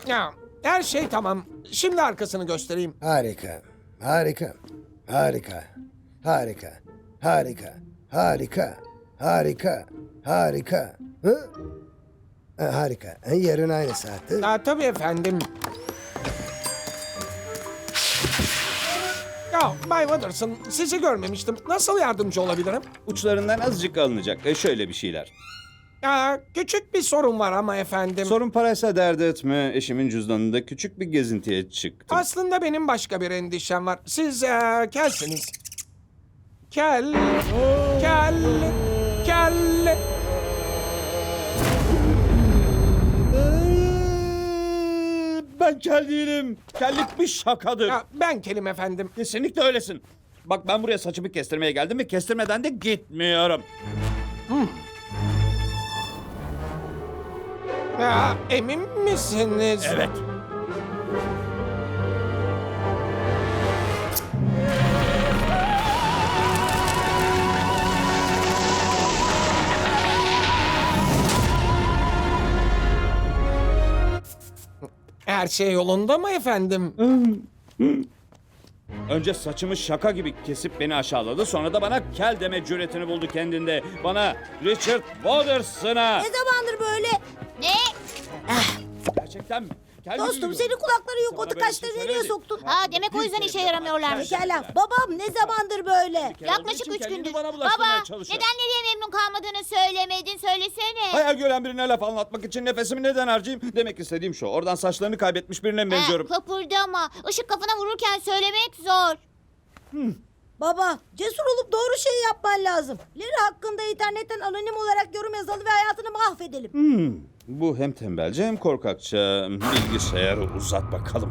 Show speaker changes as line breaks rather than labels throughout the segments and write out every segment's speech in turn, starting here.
Ya, her şey tamam. Şimdi arkasını göstereyim.
Harika. Harika. Harika. Harika. Harika. Harika. Harika. Harika. Hı? Harika. Yarın aynı saatte.
Tabii efendim. Ya Bay Watterson, sizi görmemiştim. Nasıl yardımcı olabilirim?
Uçlarından azıcık alınacak. Şöyle bir şeyler.
Ya, küçük bir sorun var ama efendim.
Sorun paraysa dert etme. Eşimin cüzdanında küçük bir gezintiye çıktım.
Aslında benim başka bir endişem var. Siz kelsiniz. Kel. Kel. Kel.
Ben kel değilim. Kellik bir şakadır.
Ya, ben kelim efendim.
Kesinlikle öylesin. Bak ben buraya saçımı kestirmeye geldim ve kestirmeden de gitmiyorum.
Ya, emin misiniz?
Evet.
Her şey yolunda mı efendim?
Önce saçımı şaka gibi kesip beni aşağıladı. Sonra da bana kel deme cüretini buldu kendinde. Bana Richard Waterson'a.
Ne zamandır böyle?
Ne?
Gerçekten mi? Kel mi
Dostum
duyuyorum?
senin kulakları yok.
Sana
O
böyle
tıkaçları
şey
nereye
söylemedi.
soktun?
Ha, demek o yüzden işe yaramıyorlarmış.
Pekala. Babam ne zamandır böyle?
Kel olduğu
Yaklaşık
için
3
kendini
gündür.
bana bulaştırmaya
Baba,
çalışıyor.
neden nereye memnun kalmadığını söylemedin? Söylesene.
Hayal gören birine laf anlatmak için nefesimi neden harcayayım? Demek istediğim şu. Oradan saçlarını kaybetmiş birine mi benziyorum?
Kıpırdama. Işık kafana vururken söylemek zor.
Baba, cesur olup doğru şeyi yapman lazım. Larry hakkında internetten anonim olarak yorum yazalım ve hayatını mahvedelim.
Bu hem tembelce hem korkakça. Bilgisayarı uzat bakalım.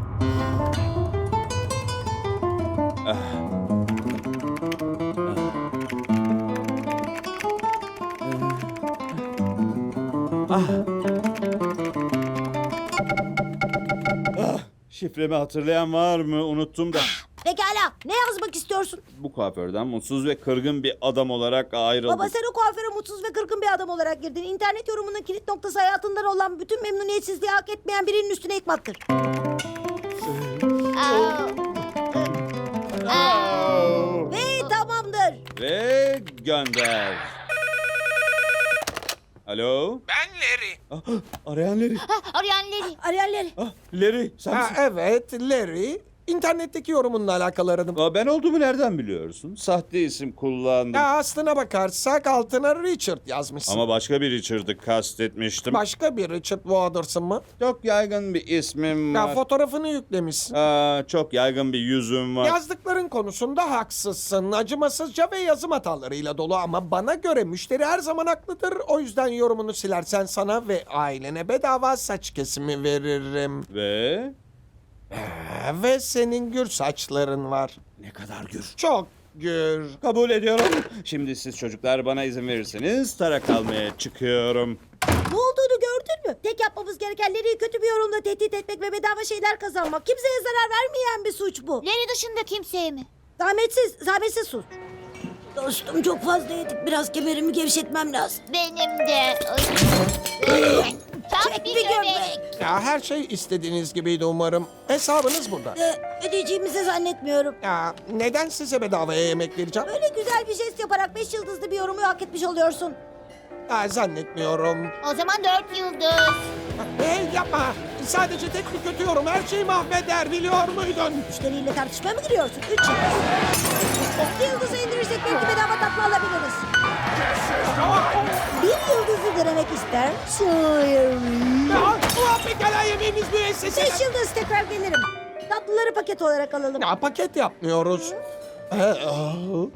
Şifremi hatırlayan var mı? Unuttum da.
Pekala, ne yazmak istiyorsun?
Bu kuaförden mutsuz ve kırgın bir adam olarak ayrıldım.
Baba sen o kuaföre mutsuz ve kırgın bir adam olarak girdin. İnternet yorumunun kilit noktası hayatından olan bütün memnuniyetsizliği hak etmeyen birinin üstüne yıkmaktır. Ve tamamdır.
Ve gönder. Alo?
Ben Larry.
Arayan Larry.
Arayan Larry.
Arayarları.
Larry sen
Ha,
misin?
evet, Larry. İnternetteki yorumunla alakalı aradım.
Ben olduğumu nereden biliyorsun? Sahte isim kullandım.
Ya aslına bakarsak altına Richard yazmışsın.
Ama başka bir Richard'ı kastetmiştim.
Başka bir Richard Watersson mı?
Çok yaygın bir ismim
Ya
var.
fotoğrafını yüklemişsin.
Çok yaygın bir yüzüm var.
Yazdıkların konusunda haksızsın. Acımasızca ve yazım hatalarıyla dolu ama bana göre müşteri her zaman haklıdır. O yüzden yorumunu silersen sana ve ailene bedava saç kesimi veririm.
Ve
Ve senin gür saçların var.
ne kadar gür.
Çok gür.
Kabul ediyorum. Şimdi siz çocuklar bana izin verirseniz tarak almaya çıkıyorum.
Ne olduğunu gördün mü? Tek yapmamız gereken Larry'i kötü bir yorumla tehdit etmek ve bedava şeyler kazanmak. Kimseye zarar vermeyen bir suç bu.
Larry dışında kimseye mi?
Zahmetsiz sus. Dostum çok fazla yedik. Biraz kemerimi gevşetmem lazım.
Benim de. Tam
Çek
bir
bir
göbek.
göbek.
Ya her şey istediğiniz gibiydi umarım. Hesabınız burada.
Ödeyeceğimizi zannetmiyorum.
Ya neden size bedavaya yemek vereceğim?
Böyle güzel bir jest yaparak 5 yıldızlı bir yorumu hak etmiş oluyorsun.
Ya zannetmiyorum.
O zaman 4 yıldız.
Hey yapma. Sadece tek bir kötü yorum her şeyi mahveder biliyor muydun?
Müşteriyle tartışmaya mı giriyorsun? 3 yıldız. 2 yıldızı indirirsek belki bedava tatlı alabiliriz. 1 yıldızı denemek ister misin?
Ya pekala yemeğimiz müessese.
5 yıldız tekrar gelirim. Tatlıları paket olarak alalım.
Ya paket yapmıyoruz.